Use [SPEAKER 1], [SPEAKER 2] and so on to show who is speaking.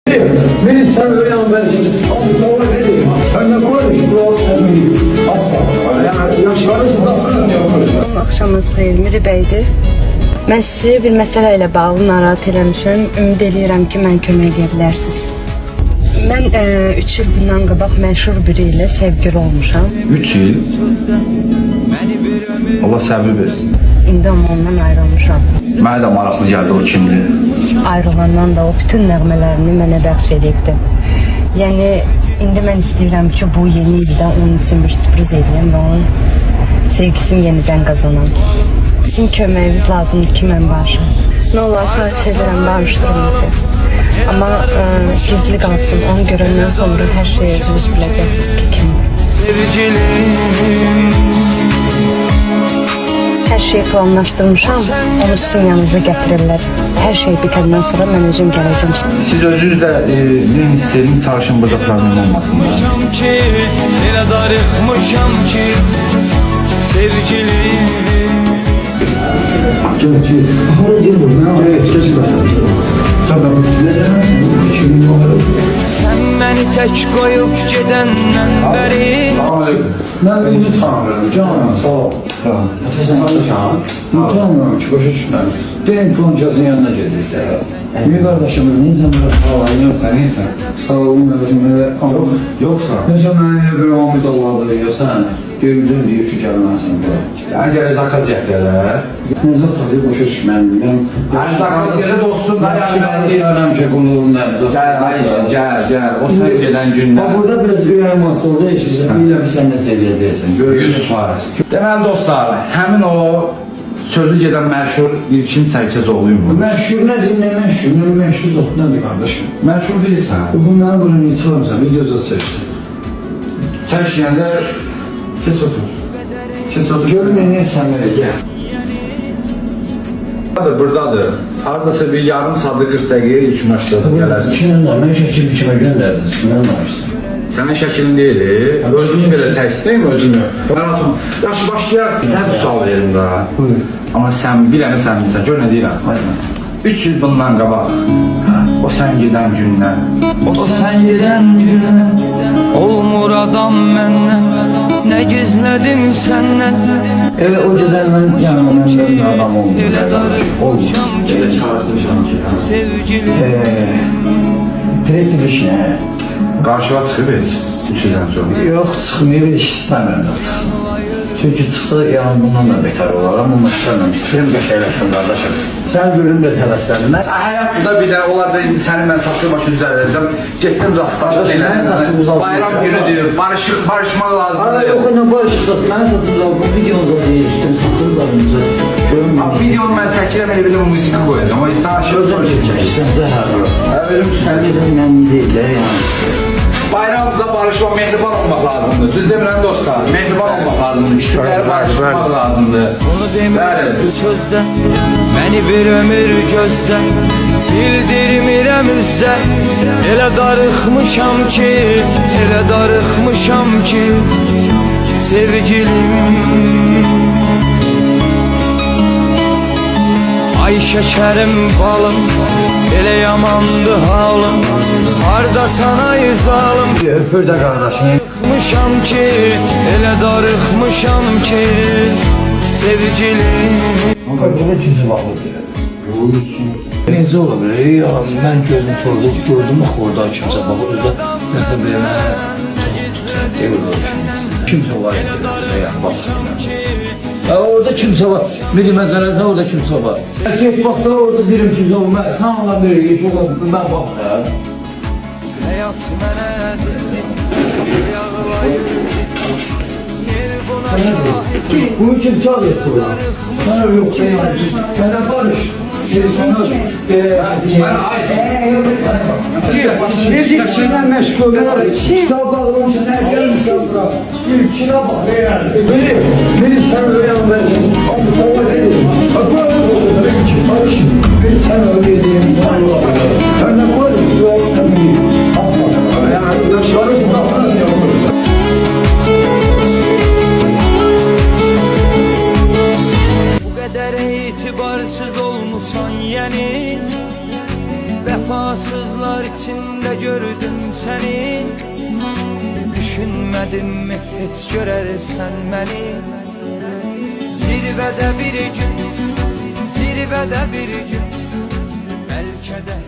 [SPEAKER 1] Beni sen öyle anlayacaksın. Abi baba ne diyeyim? Ben ne koyayım? Şu doğru tabii. Aç bak. Yani yaşlarınızı da anlamıyorum.
[SPEAKER 2] Axşamınız xeyir, Miri bəydir. Mən sizi bir məsələ ilə bağlı narahat eləmişəm. Ümid eləyirəm ki, mən kömək edə bilərsiniz. Mən 3 il bundan qabaq məşhur biri ilə sevgili olmuşam.
[SPEAKER 3] 3 il? Allah səbir versin.
[SPEAKER 2] İndi amma ondan ayrılmışam.
[SPEAKER 3] Mənə də maraqlı gəldi o kimdir.
[SPEAKER 2] Ayrılandan da o bütün nəğmələrini mənə bəxş edibdi. Yəni, indi mən istəyirəm ki, bu yeni ildə onun üçün bir sürpriz edeyim və onun sevgisini yenidən qazanam. Sizin köməyiniz lazımdır ki, mən barışım. Nə olar, xahiş edirəm, barışdırın bizi. Amma gizli qalsın, onu görəndən sonra hər şeyi özünüz biləcəksiniz ki, kimdir. Hər şeyi planlaşdırmışam, onu sizin yanınıza gətirirlər. Hər şey bitəndən sonra mən özüm gələcəm.
[SPEAKER 3] Siz özünüz də deyin istəyirəm, çalışın burada problem olmasın.
[SPEAKER 4] Elə darıxmışam ki, sevgilim.
[SPEAKER 1] Hara gelir? Ne yapayım? Tamam.
[SPEAKER 4] Sən məni tək qoyub gedəndən bəri.
[SPEAKER 1] Ben onu tanımıyorum. Canım sağ ol. Tamam. Sen alışan. Sen tanımıyorum ki başa düşmem. Deyin Fonca'sın yanına geldik de. Bir kardeşimiz ne zaman sağ ol. Sen neysen. Sağ olun kardeşim. Yoksa. Ne zaman bir Ahmet Allah'da veriyorsan. Gördüğün diyor ki gelmezsin bu.
[SPEAKER 3] Sən gələ zakaz yətələr.
[SPEAKER 1] Ne zakazı başa düşmem.
[SPEAKER 3] Hər zakaz yerə dostum.
[SPEAKER 1] Ben şey konuğunda.
[SPEAKER 3] Gəl. O sən gedən gündən.
[SPEAKER 1] Burada biraz üyəm açıldı. Biləm ki sen ne seviyeceksin.
[SPEAKER 3] 100%. Deməli dostlar, həmin o sözü gedən məşhur İlkin Çərkəzoğluyum.
[SPEAKER 1] Məşhur nədir, nə məşhur, nə məşhur zot nədir qardaşım?
[SPEAKER 3] Məşhur deyilsən.
[SPEAKER 1] Bunları bunu niyə çoxamsan, videoda çəksin.
[SPEAKER 3] Sən işləyəndə kes otur.
[SPEAKER 1] Görün nə sən belə gəl.
[SPEAKER 3] Buradadır. Haradasa bir yarım saatlı 40 dəqiqəyə ilk başlasın gələrsin.
[SPEAKER 1] İçindən də, mən şəkil biçimə göndərdiniz, kimdən danışsın?
[SPEAKER 3] Sənin şəklin deyil, özünü belə çəksin, özünü. Mən atım, yaxşı başlayaq, sən bir sual verim daha. Amma sən biləni sən bilsən, gör nə deyirəm. 3 il bundan qabaq, o sən gedən gündən.
[SPEAKER 4] O sən gedən gündən olmur adam məndən. Nə gizlədim səndən.
[SPEAKER 1] Elə o gedən mən yanıma mən adam olmuş.
[SPEAKER 4] Elə darıxmışam ki,
[SPEAKER 3] Elə çağırsın ki,
[SPEAKER 4] sevgilim.
[SPEAKER 1] Direktif iş nə?
[SPEAKER 3] qarşıva çıxıb heç, 3 ildən sonra.
[SPEAKER 1] Yox, çıxmıyor, iş istəmirəm da çıxsın. Çünki çıxsa, yəni bundan da betər olar, amma mən istəmirəm, istəyirəm qəşəkləşdim qardaşım. Sən görüm də tələslədim.
[SPEAKER 3] Həyatda bir də, onlar da indi sənin mən saçı başını düzələcəm. Getdim rastlaşdım.
[SPEAKER 1] Mənim saçımı uzaldım.
[SPEAKER 3] Bayram günüdür, barışmaq lazımdır.
[SPEAKER 1] Yox, nə barışırsak, mənim saçımı uzaldım, bu videonuzda deyişdim, saçımı uzaldım.
[SPEAKER 3] Videonu mən çəkirəm, elə belə müzik qoyacam. O danışır.
[SPEAKER 1] Özüm çəkirsən, zəhərli.
[SPEAKER 3] Verim
[SPEAKER 1] Sən deyəcəm, mən deyil də, yəni.
[SPEAKER 3] Bayramda barışmaq, mehriban olmaq lazımdır. Düz demirəm dostlar, mehriban olmaq lazımdır. Küçükləri barışmaq lazımdır.
[SPEAKER 4] Onu demirəm bu sözdə, məni bir ömür gözdə. Bildirmirəm üzdə, elə darıxmışam ki, elə darıxmışam ki, sevgilim. Ay şəkərim balım, elə yamandı halım. Hardasan ay zalım.
[SPEAKER 1] Öpür də qardaşım.
[SPEAKER 4] Darıxmışam ki, elə darıxmışam ki, sevgilim.
[SPEAKER 1] Burada ikinci vaxtdır. Necə ola bilər? Ya, mən gözüm çorda gördüm axı orada kimsə baxır, özdə nəfə belə mənə çox tutar, deyil o kimsə var idi, baxsın. Orada kimsə var, biri məzərəsə orada kimsə var. Get baxda orada birim kimsə var, sən ona bir çok oldu, mən bax da.
[SPEAKER 4] Həyat mənə
[SPEAKER 1] Bu için çal et burada. Sana yok sen yapmışsın. Bana barış. Sen nasıl? Şirketinden meşgul olan kitap almışsın. Herkes kitaplar. İlkine bak. Beni sen öyle anlayacaksın. Ama ne diyeyim? Barış. Beni sen öyle diyeyim. Ben de barış. Yok sen değil. Asla. Yani barış da nasıl yapılır?
[SPEAKER 4] etibarsız olmusan yani, vefasızlar için gözlerinde gördüm seni. Düşünmedim mi hiç görersen beni? Zirvede bir gün, zirvede bir gün, belki de